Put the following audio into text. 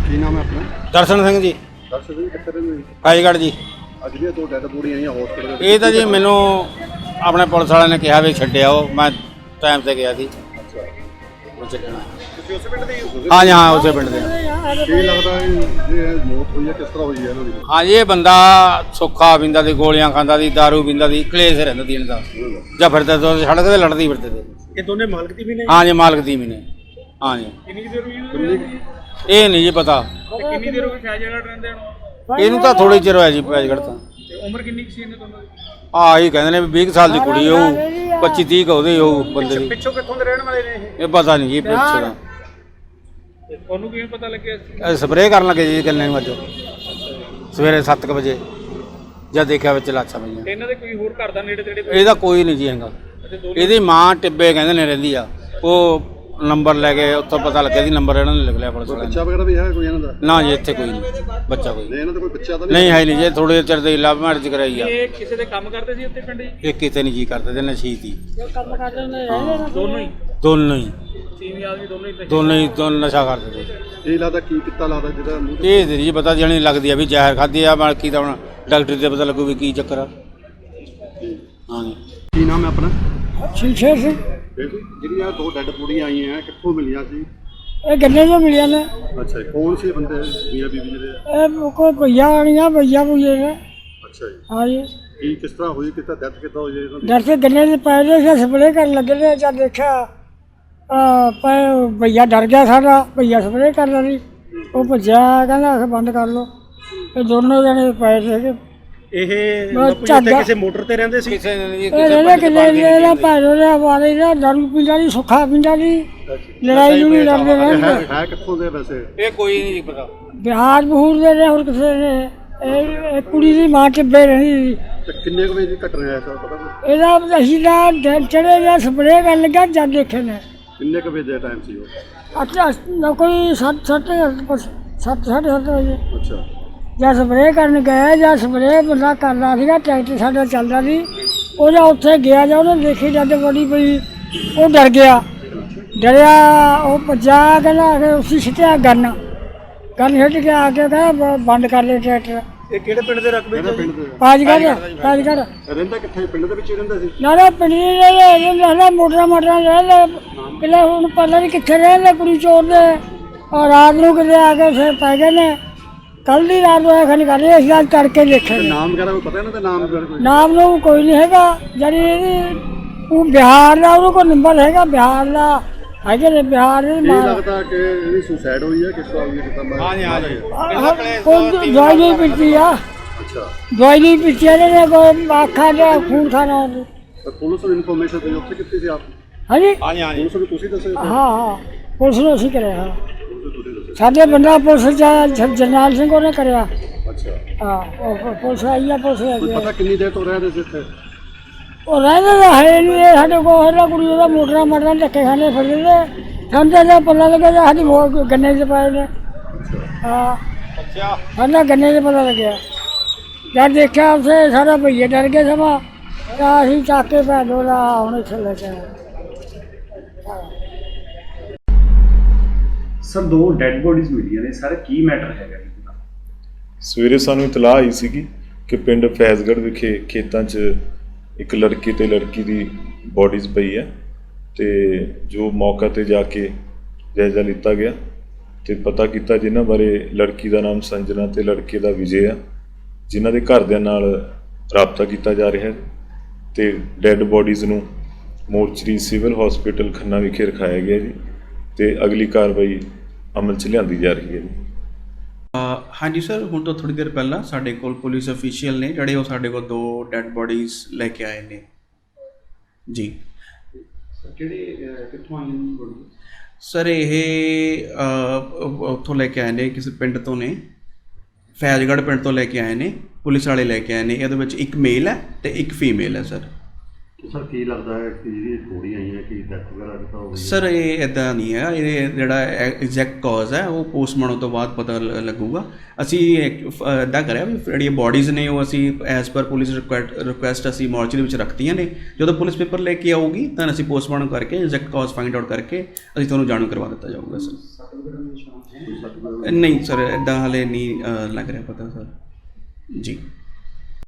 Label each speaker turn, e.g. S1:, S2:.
S1: ਕੀ ਨਾਮ ਹੈ ਆਪਣਾ?
S2: ਦਰਸ਼ਨ ਸਿੰਘ ਜੀ।
S1: ਦਰਸ਼ਨ ਸਿੰਘ ਕਿੱਥੇ ਰਹਿੰਦੇ ਹੋ?
S2: ਫਾਜ਼ਿਲਗੜ੍ਹ ਜੀ।
S1: ਅੱਜ ਵੀ ਦੋ ਡੈਡ ਬੋਡੀਆਂ ਆਈਆਂ ਹਸਪੀਟਲ।
S2: ਇਹ ਤਾਂ ਜੀ ਮੈਨੂੰ ਆਪਣੇ ਪੁਲਿਸ ਵਾਲਿਆਂ ਨੇ ਕਿਹਾ ਵੀ ਛੱਡਿਆ ਉਹ, ਮੈਂ ਟਾਈਮ ਤੇ ਗਿਆ ਸੀ।
S1: ਅੱਛਾ,
S2: ਉਹ ਛੱਡਣਾ।
S1: ਤੁਸੀਂ ਉਸੇ ਪਿੰਡ ਦੇ ਹੀ ਹੋ?
S2: ਹਾਂ ਜੀ, ਹਾਂ ਉਸੇ ਪਿੰਡ ਦੇ।
S1: ਕੀ ਲੱਗਦਾ ਹੈ ਇਹ ਮੌਤ ਹੋਈ ਹੈ ਕਿਸ ਤਰ੍ਹਾਂ ਹੋਈ ਹੈ ਇਹਨਾਂ ਦੀ?
S2: ਹਾਂ ਜੀ, ਇਹ ਬੰਦਾ ਸੁੱਖਾ ਪੀਂਦਾ ਸੀ, ਗੋਲੀਆਂ ਖਾਂਦਾ ਸੀ, ਦਾਰੂ ਪੀਂਦਾ ਸੀ, ਕਲੇਸ਼ ਰਹਿੰਦਾ ਸੀ ਇਹਨਾਂ ਦਾ। ਜਾਂ ਫਿਰਦੇ ਤੋਂ ਸੜਕ ਤੇ ਲੜਦੀ ਫਿਰਦੇ ਤੇ।
S1: ਇਹ ਦੋਨੇ ਮਾਲਕ ਦੀ ਵੀ ਨੇ?
S2: ਹਾਂ ਜੀ, ਮਾਲਕ ਦੀ ਵੀ ਨੇ। ਹਾਂ ਜੀ।
S1: ਕਿੰਨੀ ਦੇਰ ਹੋਈ?
S2: ਇਹ ਨਹੀਂ ਜੀ ਪਤਾ।
S1: ਕਿੰਨੀ ਦੇਰ ਹੋ ਗਈ ਫਾਜ਼ਿਲਗੜ੍ਹ ਰਹਿੰਦੇ ਨੂੰ?
S2: ਇਹਨੂੰ ਤਾਂ ਥੋੜੀ ਚਿਰ ਹੋਇਆ ਜੀ ਫਾਜ਼ਿਲਗੜ੍ਹ ਤਾਂ।
S1: ਉਮਰ ਕਿੰਨੀ ਸੀ ਇਹਨਾਂ ਦੋਨਾਂ ਦੀ?
S2: ਹੀ ਕਹਿੰਦੇ ਨੇ ਵੀ 20 ਸਾਲ ਦੀ ਕੁੜੀ ਹੋਊ, 25-30 ਉਹਦੇ ਹੋਊ ਬੰਦੇ ਦੀ।
S1: ਪਿੱਛੋਂ ਕਿੱਥੋਂ ਦੇ ਰਹਿਣ ਵਾਲੇ ਨੇ
S2: ਇਹ ਪਤਾ ਨਹੀਂ ਜੀ ਪਿੱਛੇ ਦਾ।
S1: ਤੁਹਾਨੂੰ ਕਿਵੇਂ ਪਤਾ ਲੱਗਿਆ?
S2: ਸਪਰੇਅ ਕਰਨ ਲੱਗੇ ਜੀ ਗੰਨੇ ਨੂੰ ਅੱਜ ਸਵੇਰੇ 7 ਵਜੇ ਜਦ ਦੇਖਿਆ ਵਿੱਚ ਲਾਸ਼ਾਂ ਪਈਆਂ।
S1: ਇਹਨਾਂ ਦੇ ਕੋਈ ਹੋਰ ਘਰ ਦਾ ਨੇੜੇ ਤੇੜੇ?
S2: ਇਹਦਾ ਕੋਈ ਨਹੀਂ ਜੀ ਹੈਗਾ। ਇਹਦੀ ਮਾਂ ਟਿੱਬੇ ਕਹਿੰਦੇ ਨੇ ਰਹਿੰਦੀ ਆ। ਉਹ ਨੰਬਰ ਲੈ ਕੇ ਉੱਥੋਂ ਪਤਾ ਲੱਗਿਆ ਸੀ, ਨੰਬਰ ਇਹਨਾਂ ਨੇ ਲਿਖ ਲਿਆ ਪੁਲਿਸ ਵਾਲਿਆਂ ਨੇ।
S1: ਬੱਚਾ ਵਗੈਰਾ ਵੀ ਹੈ ਕੋਈ ਇਹਨਾਂ ਦਾ?
S2: ਨਾ ਜੀ, ਇੱਥੇ ਕੋਈ ਨਹੀਂ ਬੱਚਾ ਕੋਈ
S1: ਇਹਨਾਂ ਦਾ ਕੋਈ ਬੱਚਾ ਤਾਂ
S2: ਨਹੀਂ ਹੈ ਨਹੀਂ ਜੀ। ਥੋੜੇ ਚਿਰ ਦੇ ਲਵ ਮੈਰਿਜ ਕਰਾਈ ਆ।
S1: ਇਹ ਕਿਸੇ ਦੇ ਕੰਮ ਕਰਦੇ ਸੀ ਉੱਥੇ ਪਿੰਡ?
S2: ਇਹ ਕਿਤੇ ਨਹੀਂ ਜੀ ਕਰਦੇ ਤੇ ਨਸ਼ੀਤ ਹੀ
S1: ਕੰਮ ਕਰਦੇ ਨੇ ਦੋਨੋਂ ਹੀ?
S2: ਦੋਨੋਂ ਹੀ
S1: ਤੀਵੀਂ ਆਦਮੀ ਦੋਨੋਂ ਹੀ
S2: ਦੋਨੋਂ ਨਸ਼ਾ ਕਰਦੇ ਤੇ।
S1: ਇਹ ਲੱਗਦਾ ਕੀ ਕੀਤਾ ਲੱਗਦਾ ਜਿਹੜਾ ਮੂੰਹ ਤੇ?
S2: ਇਹ ਨਹੀਂ ਪਤਾ ਜਣੀ ਲੱਗਦੀ ਆ ਵੀ ਜ਼ਹਿਰ ਖਾਧੀ ਆ, ਬਾਕੀ ਤਾਂ ਹੁਣ ਡਾਕਟਰ ਤੇ ਪਤਾ ਲੱਗੂ ਵੀ ਕੀ ਚੱਕਰ ਆ। ਹਾਂ ਜੀ।
S1: ਕੀ ਨਾਮ ਹੈ ਆਪਣਾ?
S3: ਸ਼ਮਸ਼ੇਰ ਸਿੰਘ।
S1: ਜਿਹੜੀਆਂ ਦੋ ਡੈਡ ਬੋਡੀਆਂ ਆਈਆਂ ਕਿੱਥੋਂ ਮਿਲੀਆਂ ਸੀ?
S3: ਇਹ ਗੰਨੇ ਤੋਂ ਮਿਲਿਆ ਨੇ।
S1: ਅੱਛਾ ਜੀ, ਕੌਣ ਸੀ ਬੰਦੇ ਮੀਆਂ ਬੀਬੀ ਜਿਹੜੇ?
S3: ਇਹ ਕੋਈ ਭਈਆ ਆਣੀਆਂ ਭਈਆ ਭੁਈਏ ਨੇ।
S1: ਅੱਛਾ ਜੀ,
S3: ਹਾਂ ਜੀ।
S1: ਕੀ ਕਿਸ ਤਰ੍ਹਾਂ ਹੋਈ, ਕਿਤਾ ਡੈਥ ਕਿੱਦਾਂ ਹੋਈ ਇਹਨਾਂ ਦੀ?
S3: ਡਰ ਤੇ ਗੰਨੇ ਦੇ ਪੈ ਰਹੇ ਸੀ, ਸਪਰੇਅ ਕਰਨ ਲੱਗੇ ਨੇ। ਜਦ ਦੇਖਿਆ ਭਈਆ ਡਰ ਗਿਆ ਸਾਡਾ। ਭਈਆ ਸਪਰੇਅ ਕਰਦਾ ਸੀ, ਉਹ ਭੱਜਿਆ, ਕਹਿੰਦਾ ਆਖ ਬੰਦ ਕਰ ਲਓ। ਇਹ ਦੋਨੋਂ ਜਣੇ ਪਏ ਸੀਗੇ।
S1: ਇਹ
S3: ਕਿਸੇ
S1: ਮੋਟਰ ਤੇ ਰਹਿੰਦੇ ਸੀ?
S2: ਕਿਸੇ ਨੇ ਜੀ
S3: ਇਹ ਰਹਿੰਦੇ ਕਿੱਲੇ ਦਾ ਭਾਰੋ ਦਾ ਵਾਲੇ ਦਾ ਦਾਰੂ ਪੀਂਦਾ ਸੀ, ਸੁੱਖਾ ਪੀਂਦਾ ਸੀ, ਲੜਾਈ ਨੂੰ ਲੜਦੇ ਰਹਿੰਦੇ।
S1: ਹੈ ਕਿੱਥੋਂ ਦੇ ਵੈਸੇ?
S2: ਇਹ ਕੋਈ ਨਹੀਂ ਪਤਾ।
S3: ਬਿਹਾਰ ਬਹੂਰ ਦੇ ਨੇ ਹੋਰ ਕਿਸੇ ਨੇ। ਇਹ ਕੁੜੀ ਦੀ ਮਾਂ ਟਿੱਬੇ ਰਹੀ।
S1: ਤੇ ਕਿੰਨੇ ਕੁ ਵਜੇ ਦੀ ਘਟਨਾ ਹੈ ਸਰ ਪਤਾ?
S3: ਇਹਦਾ ਅਸੀਂ ਦਾ ਦਿਨ ਚੜੇ ਜਾਂ ਸਪਰੇਅ ਕਰਨ ਲੱਗਾ ਜਦ ਦੇਖੇ ਨੇ।
S1: ਕਿੰਨੇ ਕੁ ਵਜੇ ਦਾ ਟਾਈਮ ਸੀ ਉਹ?
S3: ਅੱਛਾ, ਕੋਈ 7:30 ਵਜੇ
S1: ਅੱਛਾ,
S3: ਜਾਂ ਸਪਰੇਅ ਕਰਨ ਗਏ। ਜਾਂ ਸਪਰੇਅ ਬੰਦਾ ਕਰਦਾ ਸੀਗਾ, ਟਰੈਕਟਰ ਸਾਡਾ ਚੱਲਦਾ ਸੀ। ਉਹ ਜਾਂ ਉੱਥੇ ਗਿਆ ਜਾਂ ਉਹਨੇ ਦੇਖੀ ਜਦ ਬੜੀ ਪਈ, ਉਹ ਡਰ ਗਿਆ। ਡਰਿਆ, ਉਹ ਭੱਜਾ, ਕਹਿੰਦਾ ਕਿ ਉਸੇ ਸਿੱਟਿਆ ਗੰਨ ਸਿੱਟ ਕੇ ਆ ਕੇ ਕਹਿੰਦਾ ਬੰਦ ਕਰ ਲੈ ਟਰੈਕਟਰ।
S1: ਇਹ ਕਿਹੜੇ ਪਿੰਡ ਦੇ ਰਕਬੇ ਚ?
S3: ਫਾਜ਼ਿਲਗੜ੍ਹ।
S1: ਰਹਿੰਦਾ ਕਿੱਥੇ? ਪਿੰਡ ਦੇ ਵਿੱਚ ਹੀ ਰਹਿੰਦਾ ਸੀ?
S3: ਨਾ ਪਿੰਡ ਰਹਿੰਦਾ, ਮੋਟਰਾਂ ਰਹਿੰਦਾ। ਕਿਲੇ ਹੁਣ ਪਤਾ ਨਹੀਂ ਕਿੱਥੇ ਰਹਿੰਦੇ ਕੁੜੀ ਚੋਰ ਦੇ। ਔਰ ਰਾਤ ਨੂੰ ਕਿਤੇ ਆ ਕੇ ਫਿਰ ਪੈ ਗਏ ਨੇ। ਕੱਲ੍ਹ ਦੀ ਰਾਤ ਨੂੰ ਐਖਣ ਕਰ ਰਹੇ ਅਸੀਂ ਅੱਜ ਤੜਕੇ ਦੇਖੇ।
S1: ਨਾਮ ਵਗੈਰਾ ਕੋਈ ਪਤਾ ਇਹਨਾਂ ਦਾ? ਨਾਮ ਵਗੈਰਾ ਕੋਈ?
S3: ਨਾਮ ਨੂੰ ਕੋਈ ਨਹੀਂ ਹੈਗਾ। ਜਿਹੜੀ ਇਹਦੀ ਉਹ ਬਿਹਾਰ ਦਾ, ਉਹਦੇ ਕੋਲ ਨੰਬਰ ਹੈਗਾ ਬਿਹਾਰ ਦਾ। ਹੈਗੇ ਨੇ ਬਿਹਾਰ ਦੇ।
S1: ਇਹ ਲੱਗਦਾ ਕਿ ਇਹਦੀ ਸੁਸਾਈਡ ਹੋਈ ਹੈ, ਕਿਸ ਤਰ੍ਹਾਂ ਹੋਈ ਹੈ?
S2: ਹਾਂ ਜੀ, ਹਾਂ ਜੀ।
S3: ਕੋਈ ਦਵਾਈ ਨਹੀਂ ਪੀਤੀ ਆ।
S1: ਅੱਛਾ,
S3: ਦਵਾਈ ਨਹੀਂ ਪੀਤੀ ਇਹਨੇ, ਕੋਈ ਆਖਾਂ ਦਾ ਖੂਨ ਖਾਣਾ।
S1: ਤਾਂ ਪੁਲਿਸ ਨੂੰ ਇਨਫੋਰਮੇਸ਼ਨ ਦਿੱਤੀ ਉੱਥੇ ਕਿੱਥੇ ਸੀ ਆਪ?
S3: ਹਾਂਜੀ
S2: ਹਾਂ ਜੀ, ਹਾਂ ਜੀ।
S1: ਪੁਲਿਸ ਨੂੰ ਤੁਸੀਂ ਦੱਸਿਆ?
S3: ਹਾਂ, ਪੁਲਿਸ ਨੂੰ ਅਸੀਂ ਕਰਿਆ। ਹਾਂ,
S1: ਤੁਸੀਂ ਦੱਸਿਆ?
S3: ਸਾਡੇ ਬੰਦਾ ਪੁਲਿਸ ਜਰਨੈਲ ਸਿੰਘ ਉਹਨੇ ਕਰਿਆ।
S1: ਅੱਛਾ,
S3: ਹਾਂ, ਉਹ ਪੁਲਿਸ ਆਈ ਆ, ਪੁਲਿਸ ਆ
S1: ਕੋਈ
S3: ਗਈ।
S1: ਪਤਾ ਕਿੰਨੀ ਦੇਰ ਤੋਂ ਰਹਿ ਰਹੇ ਸੀ ਇੱਥੇ?
S3: ਉਹ ਰਹਿੰਦੇ ਤਾਂ ਹੈ ਨਹੀਂ। ਇਹ ਸਾਡੇ ਕੋਲ ਹੈਗਾ ਕੁੜੀ ਉਹਦਾ ਮੋਟਰਾਂ ਧੱਕੇ ਖਾਣੇ ਫਿਰਦੇ ਨੇ। ਸਾਨੂੰ ਤਾਂ ਪਤਾ ਲੱਗਿਆ ਜਾਂ ਸਾਡੀ ਗੰਨੇ 'ਚ ਪਾਏ ਨੇ। ਹਾਂ,
S2: ਅੱਛਾ।
S3: ਸਾਨੂੰ ਗੰਨੇ 'ਚ ਪਤਾ ਲੱਗਿਆ। ਜਦ ਦੇਖਿਆ ਉੱਥੇ ਸਾਰਾ ਭਈਏ ਡਰ ਗਏ ਸਮਾਂ। ਤਾਂ ਅਸੀਂ ਚੱਕ ਕੇ ਭੈਣ ਉਹਦਾ ਹੁਣ ਇੱਥੇ ਲੈ ਕੇ ਆਏ।
S4: ਸਰ, ਦੋ ਡੈੱਡ ਬੋਡੀਜ਼ ਮਿਲੀਆਂ ਨੇ ਸਰ, ਕੀ ਮੈਟਰ ਹੈਗਾ?
S5: ਸਵੇਰੇ ਸਾਨੂੰ ਇਤਲਾਹ ਆਈ ਸੀਗੀ ਕਿ ਪਿੰਡ ਫੈਜ਼ਗੜ੍ਹ ਵਿਖੇ ਖੇਤਾਂ 'ਚ ਇੱਕ ਲੜਕੀ ਤੇ ਲੜਕੀ ਦੀ ਬੋਡੀਜ਼ ਪਈ ਹੈ ਤੇ ਜੋ ਮੌਕਾ ਤੇ ਜਾ ਕੇ ਜਾਇਜ਼ਾ ਲਿੱਤਾ ਗਿਆ ਤੇ ਪਤਾ ਕੀਤਾ ਜਿਨ੍ਹਾਂ ਬਾਰੇ ਲੜਕੀ ਦਾ ਨਾਮ ਸੰਜਨਾ ਤੇ ਲੜਕੇ ਦਾ ਵਿਜੇ ਆ, ਜਿਨ੍ਹਾਂ ਦੇ ਘਰਦਿਆਂ ਨਾਲ ਰਾਬਤਾ ਕੀਤਾ ਜਾ ਰਿਹਾ ਹੈ ਤੇ ਡੈੱਡ ਬੋਡੀਜ਼ ਨੂੰ ਮੋਰਚਰੀ ਸਿਵਲ ਹਸਪੀਟਲ ਖੰਨਾ ਵਿਖੇ ਰਖਾਇਆ ਗਿਆ ਜੀ ਤੇ ਅਗਲੀ ਕਾਰਵਾਈ ਅਮਲ 'ਚ ਲਿਆਂਦੀ ਜਾ ਰਹੀ ਹੈ ਜੀ।
S6: ਹਾਂਜੀ ਸਰ, ਹੁਣ ਤੋਂ ਥੋੜ੍ਹੀ ਦੇਰ ਪਹਿਲਾਂ ਸਾਡੇ ਕੋਲ ਪੁਲਿਸ ਅਫੀਸ਼ੀਅਲ ਨੇ ਜਿਹੜੇ ਉਹ ਸਾਡੇ ਕੋਲ 2 ਡੈੱਡ ਬੋਡੀਜ਼ ਲੈ ਕੇ ਆਏ ਨੇ ਜੀ।
S1: ਕਿਹੜੇ ਕਿੱਥੋਂ ਆਈ ਨੇ ਬੋਡੀ?
S6: ਸਰ ਇਹ ਉੱਥੋਂ ਲੈ ਕੇ ਆਏ ਨੇ, ਕਿਸੇ ਪਿੰਡ ਤੋਂ ਨੇ, ਫੈਜ਼ਗੜ੍ਹ ਪਿੰਡ ਤੋਂ ਲੈ ਕੇ ਆਏ ਨੇ। ਪੁਲਿਸ ਵਾਲੇ ਲੈ ਕੇ ਆਏ ਨੇ। ਇਹਦੇ ਵਿੱਚ ਇੱਕ ਮੇਲ ਹੈ ਤੇ ਇੱਕ ਫੀਮੇਲ ਹੈ ਸਰ।
S1: ਸਰ ਕੀ ਲੱਗਦਾ ਹੈ ਕਿ ਜਿਹੜੀ ਬੋਡੀ ਆਈ ਹੈ ਕਿ ਡੈਥ ਵਗੈਰਾ ਕਿੱਦਾਂ ਹੋ ਗਈ?
S6: ਸਰ ਇਹ ਇੱਦਾਂ ਨਹੀਂ ਹੈ। ਇਹ ਜਿਹੜਾ ਐਗਜ਼ੈਕਟ ਕਾਜ਼ ਹੈ ਉਹ ਪੋਸਟਮਾਰਟਮ ਤੋਂ ਬਾਅਦ ਪਤਾ ਲੱਗੂਗਾ। ਅਸੀਂ ਇੱਦਾਂ ਕਰਿਆ ਵੀ ਜਿਹੜੀਆਂ ਬੋਡੀਜ਼ ਨੇ ਉਹ ਅਸੀਂ ਐਜ਼ ਪਰ ਪੁਲਿਸ ਰਿਕੁਐਸਟ ਅਸੀਂ ਮੋਰਚਰੀ ਵਿੱਚ ਰੱਖਤੀਆਂ ਨੇ। ਜਦੋਂ ਪੁਲਿਸ ਪੇਪਰ ਲੈ ਕੇ ਆਊਗੀ ਤਾਂ ਅਸੀਂ ਪੋਸਟਮਾਰਟਮ ਕਰਕੇ ਐਗਜ਼ੈਕਟ ਕਾਜ਼ ਫਾਈਂਡ ਆਊਟ ਕਰਕੇ ਅਸੀਂ ਤੁਹਾਨੂੰ ਜਾਣੂ ਕਰਵਾ ਦਿੱਤਾ ਜਾਊਗਾ ਸਰ। ਨਹੀਂ ਸਰ, ਇਦਾਂ ਹਾਲੇ ਨਹੀਂ ਲੱਗ ਰਿਹਾ ਪਤਾ ਸਰ ਜੀ।